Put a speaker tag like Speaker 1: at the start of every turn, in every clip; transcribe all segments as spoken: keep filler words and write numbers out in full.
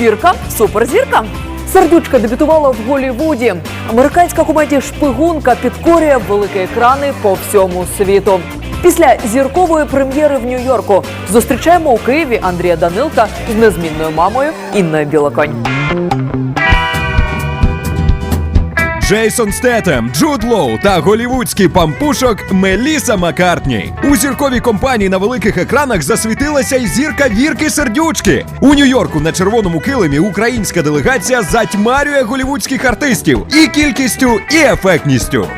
Speaker 1: Зірка, суперзірка. Сердючка дебютувала в Голлівуді. Американська комедія «Шпигунка» підкорює великі екрани по всьому світу. Після зіркової прем'єри в Нью-Йорку зустрічаємо у Києві Андрія Данилка з незмінною мамою Інною Білоконь.
Speaker 2: Джейсон Стетем, Джуд Лоу та голівудський пампушок Меліса Маккартні. У зірковій компанії на великих екранах засвітилася й зірка Вірки Сердючки. У Нью-Йорку на червоному килимі українська делегація затьмарює голівудських артистів і кількістю, і ефектністю.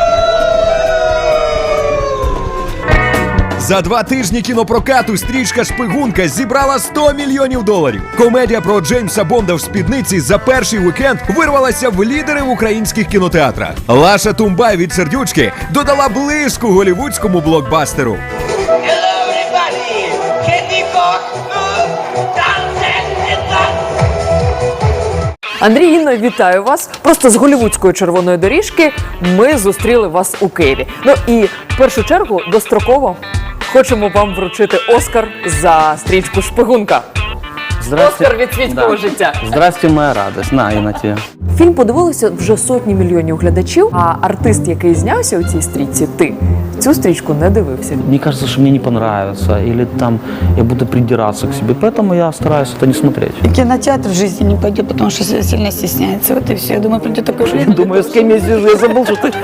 Speaker 2: За два тижні кінопрокату стрічка «Шпигунка» зібрала сто мільйонів доларів. Комедія про Джеймса Бонда в спідниці за перший вікенд вирвалася в лідери в українських кінотеатрах. Лаша Тумбай від Сердючки додала блиску голівудському блокбастеру.
Speaker 1: Андрій, Інно, вітаю вас. Просто з голлівудської червоної доріжки ми зустріли вас у Києві. Ну і в першу чергу достроково хочемо вам вручити Оскар за стрічку «Шпигунка». Оскар від світського
Speaker 3: да.
Speaker 1: життя.
Speaker 3: Здрасте, моя радость. На, і на тебе.
Speaker 1: Фільм подивилися вже сотні мільйонів глядачів, а артист, який знявся у цій стрічці, ти, цю стрічку не дивився.
Speaker 3: Мне кажется, что мне не понравится, или там я буду придираться к себе, поэтому я стараюсь это не смотреть.
Speaker 4: И кинотеатр в жизни не пойдет, потому что сильно стесняется. Вот и все. Я думаю, придет такой же.
Speaker 3: Я думаю, с кем я сижу, я забыл, что ты...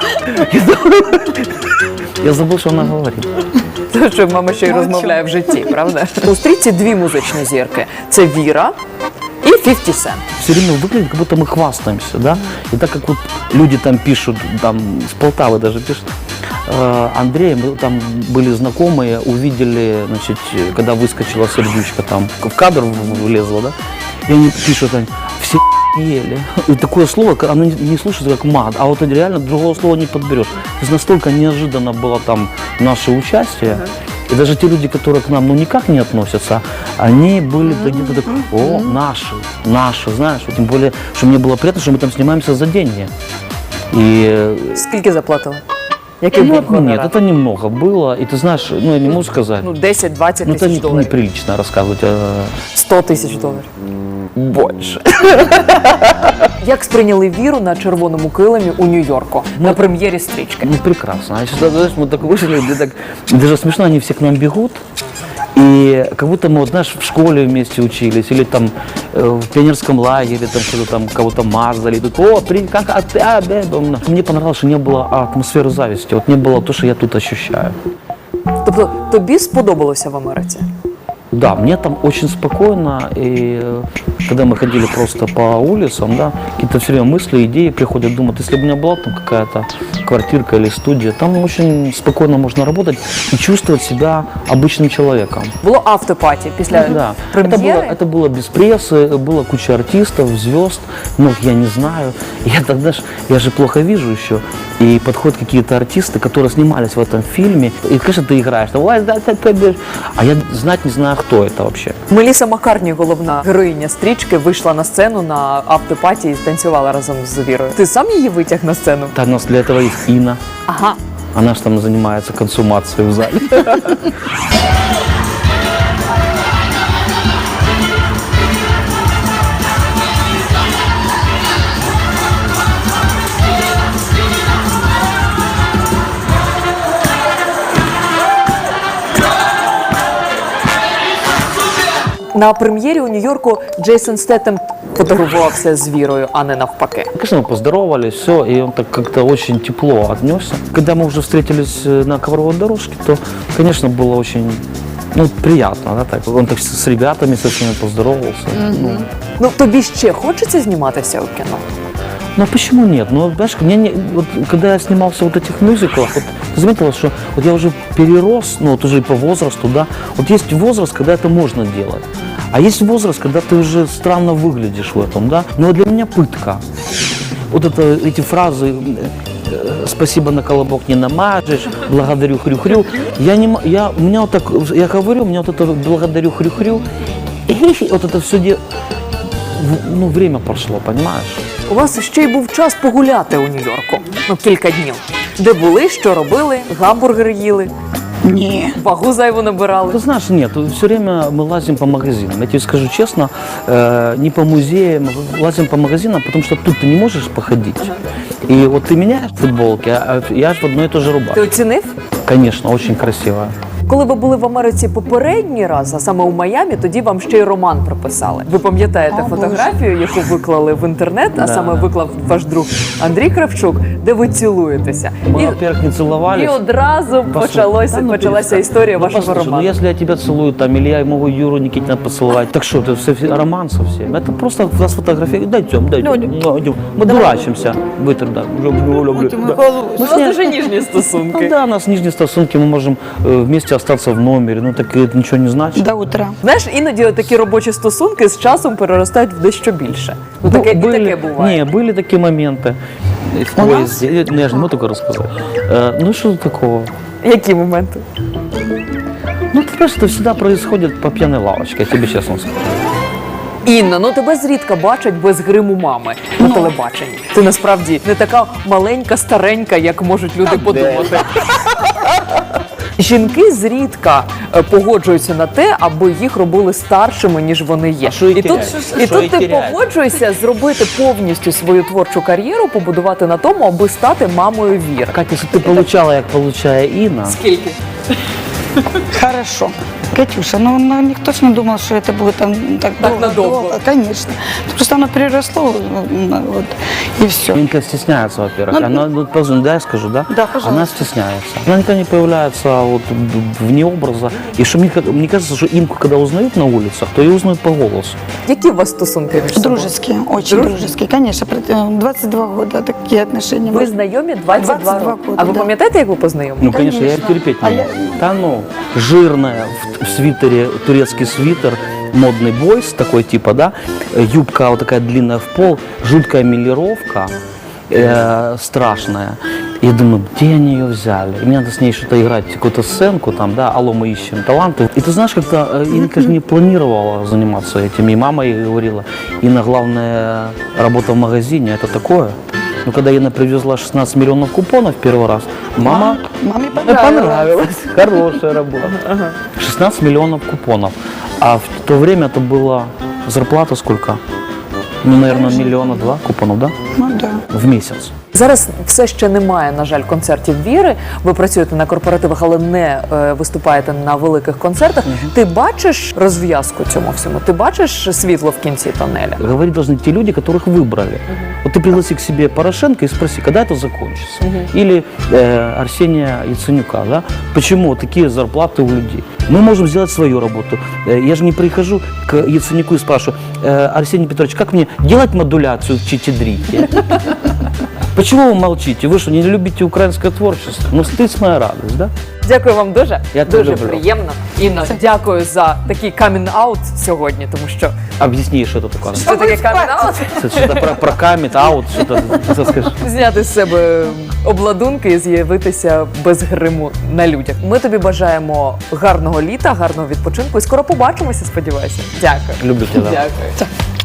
Speaker 3: Я забыл, что она говорит.
Speaker 1: Те, що мама ще й розмовляє в житті, правда? У стрічці дві музичні зірки. Це Віра і фіфті Cent.
Speaker 3: Все время выглядит, как будто мы хвастаемся, да? И так как вот люди там пишут, там с Полтавы даже пишут, э, Андрей, мы там были знакомые, увидели, значит, когда выскочила Сердючка, там в кадр влезла, да? И они пишут, они, все ели. И такое слово, оно не слушается как мат, а вот реально другого слова не подберешь. То есть настолько неожиданно было там наше участие. И даже те люди, которые к нам ну никак не относятся, они были где-то так, о, наши, наши, знаешь, тем более, что мне было приятно, что мы там снимаемся за деньги. И...
Speaker 1: Скільки заплатили? Який був
Speaker 3: Нет,
Speaker 1: гонорар?
Speaker 3: нет, это немного было, и ты знаешь, ну я не могу сказать,
Speaker 1: Ну, десять-двадцять
Speaker 3: ну это
Speaker 1: тисяч
Speaker 3: не-
Speaker 1: доларів.
Speaker 3: неприлично рассказывать. а,
Speaker 1: сто тисяч доларів.
Speaker 3: Больше.
Speaker 1: Як сприйняли Віру на червоному килимі у Нью-Йорку на прем'єрі стрічки?
Speaker 3: Ну прекрасно. А сейчас, знаешь, мы так вышли, где так, даже смешно, они все к нам бегут. И как будто мы, вот, знаешь, в школе вместе учились, или там э, в пионерском лагере, там что-то там кого-то мазали. Тут, о, при, как, а, ты, а, да, да». Мне понравилось, что не было атмосферы зависти, вот не было то, что я тут ощущаю.
Speaker 1: Тобто тобі сподобалося в Америці?
Speaker 3: Да, мне там очень спокойно, и э, когда мы ходили просто по улицам, да, какие-то все время мысли, идеи приходят, думают, если бы у меня была там какая-то квартирка или студия, там очень спокойно можно работать и чувствовать себя обычным человеком.
Speaker 1: Було автопаті після
Speaker 3: Да, это было,
Speaker 1: прем'єри.
Speaker 3: это было без прессы, было куча артистов, звезд, ну, я не знаю. Я тогда ж, я же плохо вижу еще, и подходят какие-то артисты, которые снимались в этом фильме, и, конечно, ты играешь, там, «Ой, да, да, да», а я знать не знаю, кто это вообще.
Speaker 1: Меліса Маккартні, головна героїня стрічки, вийшла на сцену на автопаті і танцювала разом з Вірою. Ти сам її витяг на сцену?
Speaker 3: Так, у нас для этого есть Инна,
Speaker 1: Ага.
Speaker 3: она же там занимается консумацией в зале.
Speaker 1: На прем'єрі у Нью-Йорку Джейсон Стетем фотографувався з Вірою, а не навпаки.
Speaker 3: Конечно, мы поздоровались, все, и он так как-то очень тепло отнесся. Когда мы уже встретились на ковровой дорожке, то, конечно, было очень, ну, приятно, да, так. Он так с ребятами со всеми поздоровался. Ну,
Speaker 1: Ну, тобі ще хочеться зніматися у кіно?
Speaker 3: Ну а почему нет? Ну, знаешь, мне не, вот, когда я снимался в вот этих мюзиклах, вот, ты заметила, что вот я уже перерос, ну вот уже по возрасту, да, вот есть возраст, когда это можно делать, а есть возраст, когда ты уже странно выглядишь в этом, да, но для меня пытка. Вот это, эти фразы э, «спасибо на колобок не намажешь», «благодарю хрю-хрю», я не, м- я, у меня вот так, я говорю, у меня вот это «благодарю хрю-хрю», и вот это все, де- в- ну, время прошло, понимаешь?
Speaker 1: У вас ще й був час погуляти у Нью-Йорку. Ну, кілька днів. Де були, що робили, гамбургери їли.
Speaker 4: Не.
Speaker 1: Вагу зайву набирали?
Speaker 3: Ты знаешь, нет, все время мы лазим по магазинам. Я тебе скажу честно, э, не по музеям, лазим по магазинам, потому что тут ты не можешь походить. И вот ты меняешь футболки, а я ж в одной и той же
Speaker 1: Ти
Speaker 3: рубашке.
Speaker 1: оцінив?
Speaker 3: Конечно, очень красиво.
Speaker 1: Коли ви були в Америці попередній раз, а саме у Майамі, тоді вам ще й роман прописали. Ви пам'ятаєте
Speaker 4: О,
Speaker 1: фотографію, яку виклали в інтернет, а
Speaker 3: Да,
Speaker 1: саме
Speaker 3: да.
Speaker 1: виклав ваш друг Андрій Кравчук, де ви цілуєтеся.
Speaker 3: Мы,
Speaker 1: І,
Speaker 3: во-первых, не целовались.
Speaker 1: і одразу
Speaker 3: Послушай,
Speaker 1: почалося,
Speaker 3: да ну
Speaker 1: почалася
Speaker 3: перестань.
Speaker 1: історія
Speaker 3: Ну,
Speaker 1: вашого
Speaker 3: послушай,
Speaker 1: роману.
Speaker 3: Ну, если я тебя целую, там, или я могу Юру Никитина поцеловать, так что, это все роман совсем. Это просто нас фотографируют. Дайте, дайте. Мы дурачимся. Вытер, да. Люблю, люблю.
Speaker 4: Ой, ты мой
Speaker 3: Да.
Speaker 4: голубь.
Speaker 1: У вас дуже ніжні стосунки.
Speaker 3: Ну да, у нас нижние стосунки, мы можем э, вместе остаться в номере. Ну так это ничего не значит.
Speaker 4: До утра.
Speaker 1: Знаєш, іноді такі робочі стосунки з часом переростають в дещо більше. Ну, таке, і таке буває.
Speaker 3: Не, были такие моменты. В
Speaker 4: У
Speaker 3: поезде. Э, Ну, я же не могу такое рассказать. Э, ну что тут такого?
Speaker 1: Які моменти?
Speaker 3: Ну, ты понимаешь, это всегда происходит по пьяной лавочке, я тебе честно скажу.
Speaker 1: Інна, ну тебе зрідка бачать без гриму мами на телебаченні. Ти насправді не така маленька, старенька, як можуть люди подумати. Жінки зрідка е, погоджуються на те, аби їх робили старшими, ніж вони є.
Speaker 3: А що їй
Speaker 1: і тут,
Speaker 3: теряють?
Speaker 1: і
Speaker 3: Що
Speaker 1: тут
Speaker 3: їй
Speaker 1: ти
Speaker 3: теряють?
Speaker 1: погоджуєшся зробити повністю свою творчу кар'єру, побудувати на тому, аби стати мамою Віри.
Speaker 3: Катя, если ты получала, как получая Инна,
Speaker 1: Скільки?
Speaker 4: Хорошо. Катюша, ну, ну никто ж не думал, что это будет там так,
Speaker 1: Так
Speaker 4: долго,
Speaker 1: надолго.
Speaker 4: долго. Конечно. Просто оно переросло, ну, вот, и все.
Speaker 3: Инка стесняется, во-первых.
Speaker 4: Ну,
Speaker 3: Она, ну, позвони, да, я скажу, да?
Speaker 4: Да, пожалуйста.
Speaker 3: Она стесняется. Она никогда не появляется вот вне образа. И что мне, мне кажется, что Инку, когда узнают на улицах, то ее узнают по голосу.
Speaker 1: Які у вас стосунки між собою?
Speaker 4: Дружеские, очень
Speaker 1: Дружеские?
Speaker 4: дружеские. Конечно, про- э, двадцать два года такие отношения.
Speaker 1: Ви знайомі двадцять два
Speaker 4: двадцять два
Speaker 1: роки.
Speaker 4: роки,
Speaker 1: А ви
Speaker 4: да.
Speaker 1: пам'ятаєте, як ви познайомилися?
Speaker 3: Ну, конечно, я
Speaker 4: Конечно.
Speaker 3: терпеть не
Speaker 4: А я-
Speaker 3: могу. Да ну, жирная, в, в свитере, турецкий свитер, модный бойс такой типа, да, э, юбка вот такая длинная в пол, жуткая милировка, э, страшная. И я думаю, где они ее взяли? И мне надо с ней что-то играть, какую-то сценку там, да, алло, мы ищем таланты. И ты знаешь, как-то э, Инка же не планировала заниматься этим. И мама ей говорила, Инна, главная работа в магазине, это такое. Но когда Инна привезла шестнадцать миллионов купонов первый раз, мама...
Speaker 4: Маме
Speaker 3: Мне
Speaker 4: понравилось.
Speaker 3: понравилось. Хорошая работа. шестнадцать миллионов купонов. А в то время это была зарплата сколько? Ну, наверное, миллиона два купонов, да?
Speaker 4: Ну да.
Speaker 3: В месяц.
Speaker 1: Зараз все ще немає, на жаль, концертів Віри. Ви працюєте на корпоративах, але не е, виступаєте на великих концертах. Ти бачиш розв'язку цьому всьому? Ти бачиш світло в кінці тоннеля?
Speaker 3: Говорить должны те люди, которых выбрали. Вот ты пригласи к себе Порошенко и спроси, когда это закончится. Или э, Арсения Яценюка, да? Почему такие зарплаты у людей? Мы можем сделать свою работу. Э, Я же не прихожу к Яценюку и спрашиваю, «Э, Арсений Петрович, как мне делать модуляцию в чичидрите? Почему вы молчите? Вы что, не любите украинское творчество? Ну, стыд моя радость, да?
Speaker 1: Дякую вам дуже.
Speaker 3: Я тебе
Speaker 1: дуже
Speaker 3: люблю.
Speaker 1: приємно. Інна, дякую за такий камін-аут сьогодні, тому що
Speaker 3: Объясни, что это такое.
Speaker 1: це таке камін-аут.
Speaker 3: Что-то про, про камет, аут, что-то, что скажешь.
Speaker 1: Зняти з себе обладунки і з'явитися без гриму на людях. Ми тобі бажаємо гарного літа, гарного відпочинку і скоро побачимося, сподіваюся. Дякую.
Speaker 3: Люблю тебя.
Speaker 1: Дякую.